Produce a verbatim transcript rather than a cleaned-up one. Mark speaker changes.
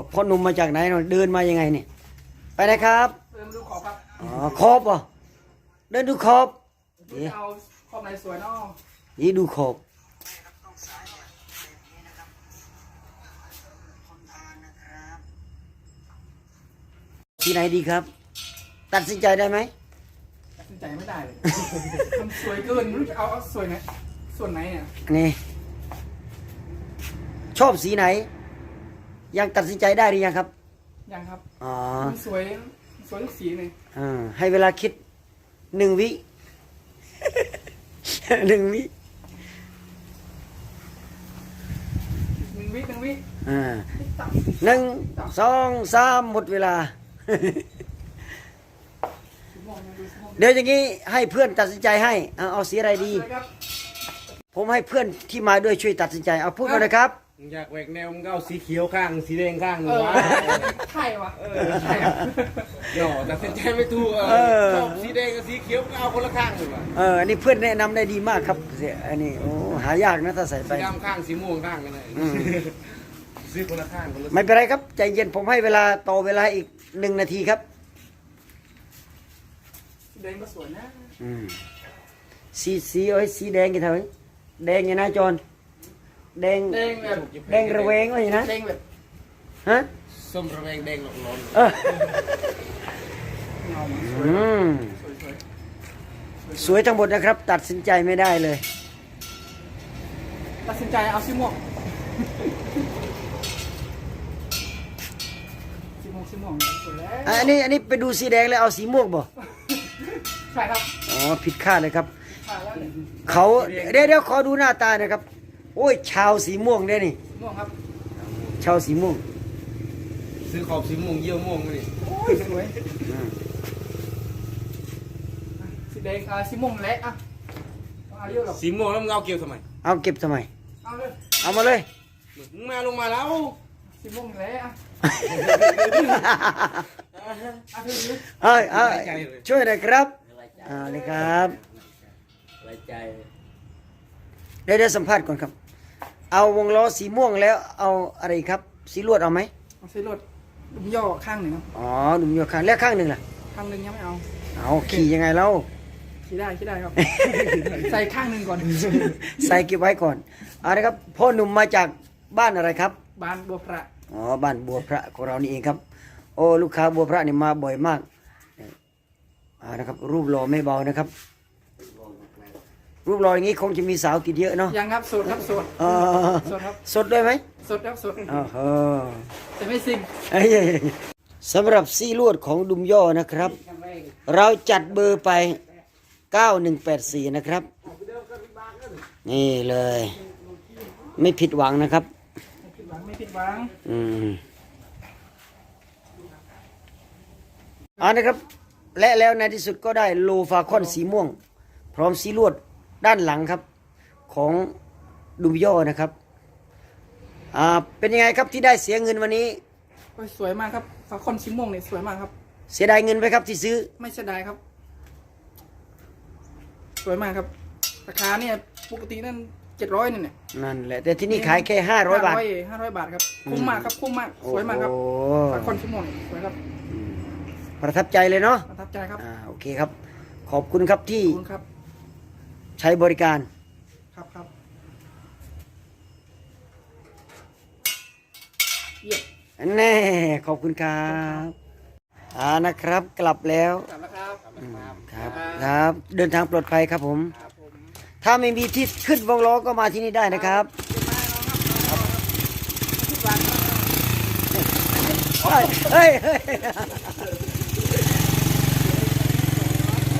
Speaker 1: พ่อหนุ่มมาจากไหนเดินมายังไงเนี่ยไปไหนครับ
Speaker 2: เดินดูขอบครับ
Speaker 1: อ๋อขอบเหรอเดินดูขอบ
Speaker 2: ดูเอาขอบไหนสวยเนาะ
Speaker 1: นี่ดูขอบที่ไหนดีครับตัดสินใจได้ไหม
Speaker 2: ตัดสินใจไม่ได้เลยมันสวยเกินไม่รู้จะเอาเอาสวยไหนส่วนไหนเนี่ย
Speaker 1: นี่ชอบสีไหนยังตัดสินใจได้หรือยังครับ
Speaker 2: ยังครับ
Speaker 1: อ๋อ
Speaker 2: มันสวยสวยทุกสีเลย
Speaker 1: อ่าให้เวลาคิดหนึ่งวิหนึ่งวิ
Speaker 2: หนึ่งวิหนึ่งวิ
Speaker 1: อ่าหนึ่งสองสามหมดเวลาเดี๋ยวอย่างนี้ให้เพื่อนตัดสินใจให้เอาเอาสีอะไรดีผมให้เพื่อนที่มาด้วยช่วยตัดสินใจเอาพูดกันเลยครับ
Speaker 3: อยากแหวกแนวมึงก็เอาสีเขียวข้างสีแดงข้างหนึ่งวะ
Speaker 2: ใช่วะเออใช่
Speaker 3: หย่อตัดสินใจไม่ถูกชอบสีแดงกับสีเขียวก็เอาคนละข้างเลยวะ
Speaker 1: เอออันนี้เพื่อนแนะนำได้ดีมากครับอันนี้โอ้หายากนะถ้าใส่ไป
Speaker 3: สีดำข้างสีม่วงข้างกันเลยซื้อคนละข้างคนละ
Speaker 1: ไม่เป็นไรครับใจเย็นผมให้เวลาต่อเวลาอีกหนึ่งนาทีครับ
Speaker 2: แดงก็สวยนะ
Speaker 1: อืมสีสีเอ้ยสีแดงกี่เท่าไหร่แดงยังไงจอนแดง
Speaker 2: แดงแบบ
Speaker 1: แดงระเวงว่าอย่างนั้น
Speaker 2: แดงแบบ
Speaker 1: ฮะ
Speaker 3: ส้มระแวงแดงหลอกหลอน
Speaker 1: เอออืมสวยทั้งหมดนะครับตัดสินใจไม่ได้เลย
Speaker 2: ตัดสินใจเอาสีม่วงสีม่วงสีม่วงสวยแล้ว
Speaker 1: อันนี้อันนี้ไปดูสีแดงแล้วเอาสีม่วงบ่
Speaker 2: ใช่ครับ
Speaker 1: อ๋อผิดคาดเลยครับเขาเดี๋ยวเดี๋ยวขอดูหน้าตาหนะครับโอ้ยชาวสีม่วงเด้นี่
Speaker 2: ม่วงครับ
Speaker 1: ชาวสีม่วง
Speaker 3: ซื้อขอบสีม่วงเยี่ยวม่วงนี่
Speaker 2: โอ้ยสวยสีแดงอ่าสีม่วงและอ่ะเอาเยอะหรอ
Speaker 3: สีม่วงแล้วมึงเอาเกี่ยวทำไม
Speaker 1: เอาเก็บทำไม
Speaker 2: เอาเลย
Speaker 1: เอามาเลย
Speaker 3: มึงมาลงมาแล้ว
Speaker 2: สีม่วงและอ่ะ
Speaker 1: เอาเอาช่วยหน่อยครับเอาเลยครับเดี๋ยวเดี๋ยวสัมภาษณ์ก่อนครับเอาวงล้อสีม่วงแล้วเอาอะไรครับสีลวดเอาไหม
Speaker 2: เอาสีลวดดุมย่อข้างหนึ่งครับ
Speaker 1: อ๋อดุมย่อข้างแล้วข้างหนึ่งล่ะ
Speaker 2: ข้างหนึ่งยังไม่เอา
Speaker 1: เอาขี่ยังไงเล่า
Speaker 2: ขี่ได้ขี่ได้ครับใส่ข้างหนึ่งก่อน
Speaker 1: ใส่เก็บไว้ก่อนเอาละครับพ่อหนุ่มมาจากบ้านอะไรครับ
Speaker 2: บ้านบัวพระ
Speaker 1: อ๋อบ้านบัวพระของเรานี่เองครับโอ้ลูกค้าบัวพระนี่มาบ่อยมากอ่านะครับรูปหล่อไม่เบานะครับรูปหล่ออย่างนี้คงจะมีสาวติดเยอะเนาะ
Speaker 2: ยังครับสดครับสด
Speaker 1: สดครับสดด้วยไหม
Speaker 2: สดครับสด
Speaker 1: อ๋อ
Speaker 2: แต่ไม่ซิง
Speaker 1: สำหรับซี่ลวดของดุมย่อนะครับเราจัดเบอร์ไปเก้าหนึ่งแปดสี่นะครับนี่เลยไม่ผิดหวังนะครับ
Speaker 2: ไม่ผิดหวังไม่ผิดหวัง
Speaker 1: อืมอ่านะครับและแล้วในที่สุดก็ได้โลฟาคอนสีม่วงพร้อมสีลวดด้านหลังครับของดุมย่อนะครับอ่าเป็นยังไงครับที่ได้เสียเงินวันนี้
Speaker 2: สวยมากครับฟาคอนสีม่วงเนี่ยสวยมากครับ
Speaker 1: เสียดายเงินไปครับที่ซื้อ
Speaker 2: ไม่เสียดายครับสวยมากครับราคาเนี่ยปกตินั่นเจ็ดร้อยนี่เนี่ย
Speaker 1: นั่นแหละแต่ที่นี่ขายแค่ห้าร้อยบาท
Speaker 2: ห้าร้อยบาทครับคุ้มมากครับคุ้มมากสวยมากครับฟาคอนสีม่วงสวยครับ
Speaker 1: ประทับใจเลยเนาะ
Speaker 2: ประทับใจครับ
Speaker 1: อ่าโอเคครับขอบคุณครับที่ใช้บริการ
Speaker 2: ครับครับเยี่ยม
Speaker 1: แน่ขอบคุณครับอ่านะครับกลับแล้ว
Speaker 2: กลับแล้วครับ
Speaker 1: ครับครับเดินทางปลอดภัยครับผมถ้าไม่มีที่ขึ้นวงล้อก็มาที่นี่ได้นะครับเฮ้ยเฮ้ย